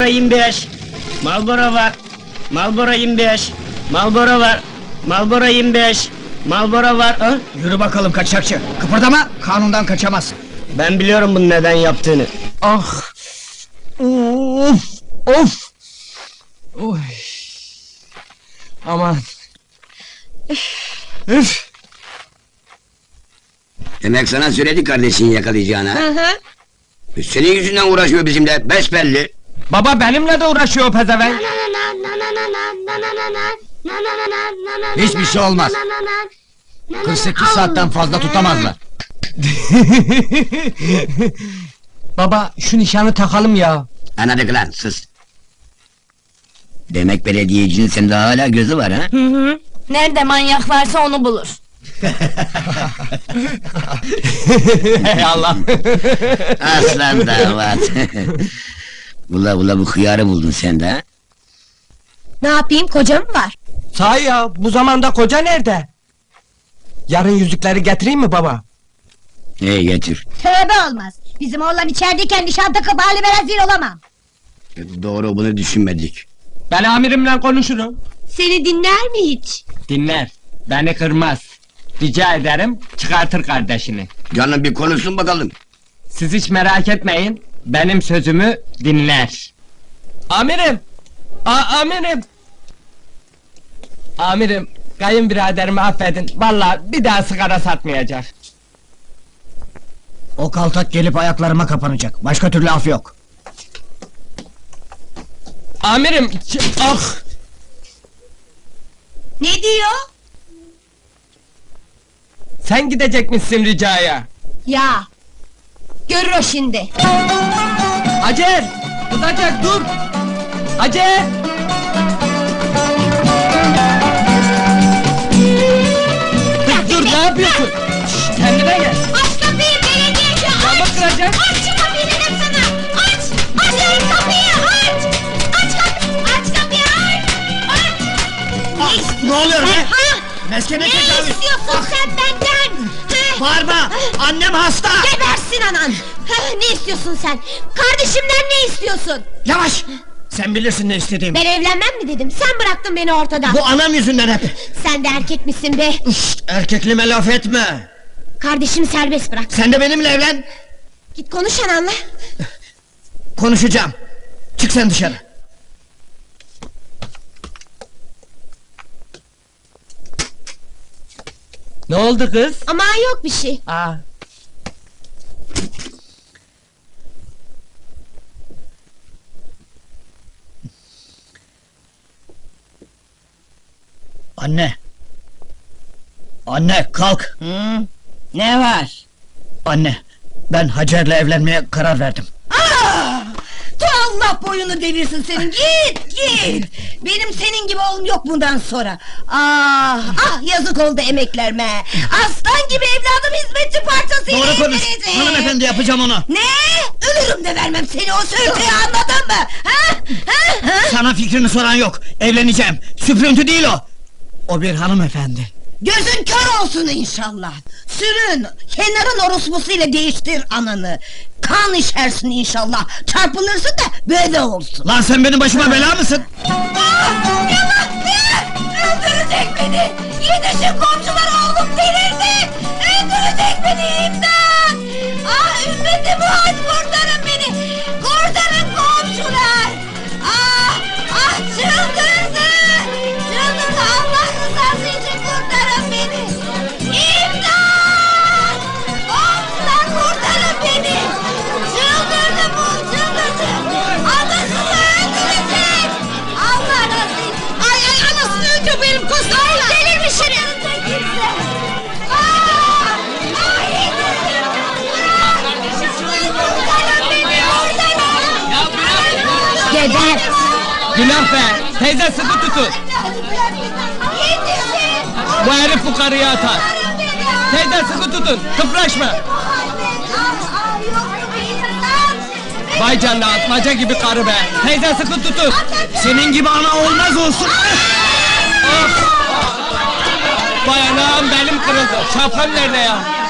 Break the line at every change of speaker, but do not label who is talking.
Marlboro 25. Marlboro var. Marlboro 25. Marlboro var. Marlboro 25. Marlboro var. Ha?
Yürü bakalım kaçakçı. Kıpırdama, kanundan kaçamazsın.
Ben biliyorum bunun neden yaptığını.
Ah! Of! Of! Oy! Aman! Üf!
Demek sana söyledi kardeşini yakalayacağını ha?
Hı hı.
Senin yüzünden uğraşıyor bizimle, besbelli.
Baba benimle de uğraşıyor o pezevenk.
Hiçbir şey olmaz.
48 saatten fazla tutamazlar. Baba şu nişanı takalım ya.
Anladık lan, sus! Demek belediyecinin sende hala gözü var ha?
Hı hı. Nerede manyak varsa onu bulur.
Hey Allah!
Aslan damat! Ula bu hıyarı buldun sen de ha?
Ne yapayım, koca mı var?
Sahi ya, bu zamanda koca nerede? Yarın yüzükleri getireyim mi baba?
Getir.
Tövbe olmaz. Bizim oğlan içerideyken nişan takıp halime rezil olamam.
Doğru, bunu düşünmedik.
Ben amirimle konuşurum.
Seni dinler mi hiç?
Dinler, beni kırmaz. Rica ederim, çıkartır kardeşini.
Canım bir konuşsun bakalım.
Siz hiç merak etmeyin, benim sözümü dinler. Amirim! Amirim! Amirim, kayınbiraderimi affedin, vallahi bir daha sigara satmayacak.
O kaltak gelip ayaklarıma kapanacak. Başka türlü af yok.
Amirim, ah!
Ne diyor?
Sen gidecekmişsin ricaya.
Ya! Görür o şimdi.
Hacer! Tutacak, dur! Hacer! Kız dur, ne yapıyorsun? Şşş, kendine gel!
Aç kapıyı belediyeci, aç!
Camı kıracak!
Aç şu kapıyı dedim sana! Aç! Aç dedim kapıyı, aç! Aç kapıyı, aç!
Ne oluyor be?
Ha?
Meskene
Ne
tecavüz!
istiyorsun sen benden? Ha?
Bağırma! Annem hasta!
Gebersin anan! Ha, ne istiyorsun sen? Kardeşimden ne istiyorsun?
Yavaş! Sen bilirsin ne istediğimi.
Ben evlenmem mi dedim? Sen bıraktın beni ortada.
Bu anam yüzünden hep!
Sen de erkek misin be?
Şşt, erkekliğime laf etme!
Kardeşimi serbest bırak.
Sen de benimle evlen!
Git konuş ananla.
Konuşacağım! Çık sen dışarı!
Ne oldu kız?
Ama yok bir şey.
Aa.
Anne! Anne kalk!
Ne var?
Anne, ben Hacer'le evlenmeye karar verdim.
Allah boyunu devirsin senin, git! Benim senin gibi oğlum yok bundan sonra. Ah yazık oldu emeklerime. Aslan gibi evladım hizmetçi parçasıyla
Doğru konuş!
evlenecek.
Hanımefendi yapacağım onu!
Ne? Ölürüm de vermem seni o sürtüye, anladın mı? Ha?
Sana fikrini soran yok! Evleneceğim! Süprüntü değil o! O bir hanımefendi!
Gözün kör olsun inşallah. Sürün, kenarın orospusuyla değiştir ananı. Kan içersin inşallah. Çarpılırsın da böyle olsun.
Lan sen benim başıma bela mısın?
Yallah! Öldürecek beni! Yetişin komşular, oğlum delirdi! Öldürecek beni, imdat! Ah ümmeti Muhammed, kurtarın beni! Kurtarın komşular! Ah çıldırdı! Çıldırdı, Allah rızası için kurtarın beni! İmdat! Komşular kurtarın beni! Çıldırdı bu, çıldırdı! Anasını öldürecek! Allah razı olsun! Ay anasını önce benim kostayla! Delirmiş herif!
Geber!
Günah be! Teyze sıkı tutun! Bu herif bu karıyı atar! Teyze sıkı tutun! Kıpraşma! Vay canına, atmaca gibi karı be! Teyze sıkı tutun!
Senin gibi ana olmaz olsun!
Of! Vay anam, belim kırıldı! Şapkam nerede ya?